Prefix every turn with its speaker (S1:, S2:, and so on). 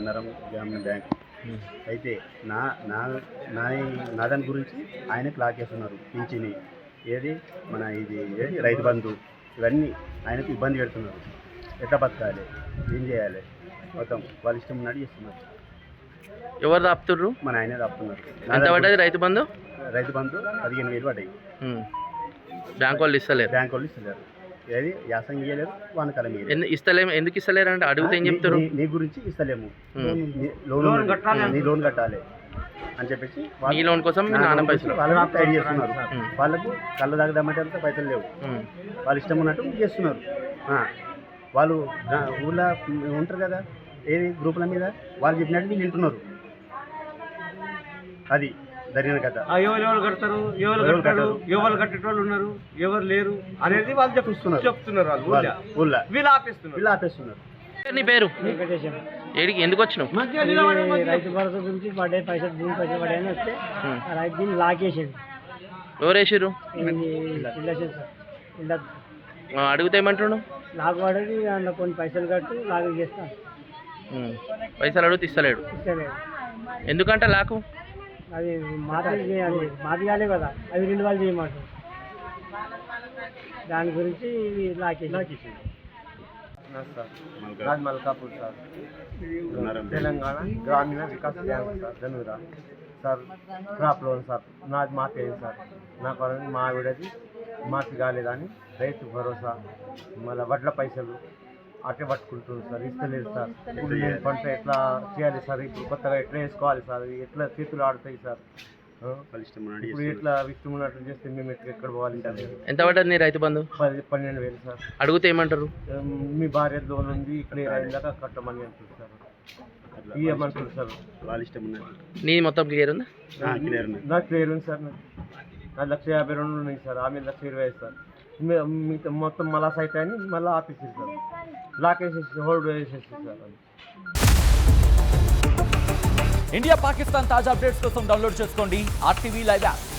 S1: నరం గ్రామీణ బ్యాంక్. అయితే నా నా నా నా దాని గురించి ఆయనకు లాకేస్తున్నారు. పింఛని ఏది మన ఇది ఏది రైతు బంధు ఇవన్నీ ఆయనకు ఇబ్బంది పెడుతున్నారు. ఎట్లా బతకాలి, ఏం చేయాలి, మొత్తం వాళ్ళ ఇష్టం ఉన్నట్టు చేస్తున్నారు.
S2: ఎవరు ఆపుతుర్రు?
S1: మన ఆయనే ఆపుతున్నారు.
S2: ఎంత పడ్డది రైతు బంధు?
S1: రైతు బంధు 15,000 పడ్డాయి.
S2: బ్యాంక్ వాళ్ళు ఇస్తలేరు.
S1: బ్యాంక్ వాళ్ళు ఇస్తలేరు. ఏది యాసంగి ఇవ్వలేరు, వానకాలం
S2: ఇస్తలేము. ఎందుకు ఇస్తలేరు అంటే అడిగితే ఏం చెప్తారు?
S1: నీ గురించి ఇస్తలేము, నీ లోన్ కట్టాలి అని చెప్పేసి
S2: ఈ లోన్ కోసం మీ నాన్న పైసలు
S1: వాళ్ళు టైడ్ చేస్తున్నారు. వాళ్ళకు కళ్ళు తాగదామంటే అంతా పైసలు లేవు, వాళ్ళు ఇష్టం ఉన్నట్టు చేస్తున్నారు. వాళ్ళు ఊళ్ళో ఉంటారు కదా ఏది గ్రూపుల మీద, వాళ్ళు చెప్పినట్టు వీళ్ళు వింటున్నారు. అది జరిగిన కథ.
S3: ఎవరు కడతారు, ఎవరు కట్టేటోళ్ళు ఉన్నారు, ఎవరు లేరు అనేది వాళ్ళు చెప్తున్నారు. వాళ్ళు ఊళ్ళో వీళ్ళు ఆపేస్తున్నారు.
S2: నీ పేరు? ఏడికి ఎందుకు వచ్చినావు?
S4: రైతు భరోసా గురించి పడ్డాయి పైసలు, భూమి పైసలు పడ్డాయని వస్తే రైతు దీన్ని లాకేసాడు.
S2: ఎవరు వేసారు? అడిగితే ఏమంటున్నావు?
S4: లాగు అడిగి అందులో కొన్ని పైసలు కట్టి లాగు చేస్తాను.
S2: పైసలు అడిగితే ఇస్తలేడు. ఎందుకంటే లాకు
S4: అది మాది కాలే కదా, అవి 2 వాళ్ళు చేయమంటారు. దాని గురించి లాకేసి
S3: Malkapur sir, Telangana Grameena Vikas bank sir, Dhanura sir. Crop loan sir, నాది మాఫీ అయింది సార్. నాకు మా ఆవిడది మాఫీ కాలేదని రైతు భరోసా మళ్ళీ వడ్ల పైసలు అట్టే పట్టుకుంటున్నారు సార్, ఇస్తలేదు సార్. ఇప్పుడు పంట ఎట్లా చేయాలి సార్, ఇప్పుడు కొత్తగా ఎట్లా వేసుకోవాలి సార్, ఎట్లా చేతులు ఆడుతాయి సార్, ఇప్పుడు ఎట్లా ఇష్టం ఉన్నట్టు చేస్తే మేము ఎక్కడ పోవాలి సార్.
S2: ఎంత పడ్డది నీ రైతు బంధు?
S3: 12,000 సార్.
S2: అడిగితే ఏమంటారు?
S3: మీ భార్య లోన్ ఉంది ఇక్కడ అయిందాక కట్టమని అంటారు సార్, ఇవ్వమంటారు సార్.
S1: వాళ్ళ ఇష్టం ఉన్నట్టు.
S2: నీ మొత్తం క్లియర్ ఉందా?
S3: నాకు క్లియర్ ఉంది సార్. నాకు 1,52,000 ఉన్నాయి సార్, ఆమె 1,20,000 సార్. మిగతా మొత్తం మళ్ళా సైట్ అని మళ్ళీ ఆపేసేది సార్, లాక్ వేసేసి హోల్డ్ వేసేసి సార్.
S5: ఇండియా పాకిస్తాన్ తాజా అప్డేట్స్ కోసం డౌన్లోడ్ చేసుకోండి RTV లైవ్ యాప్.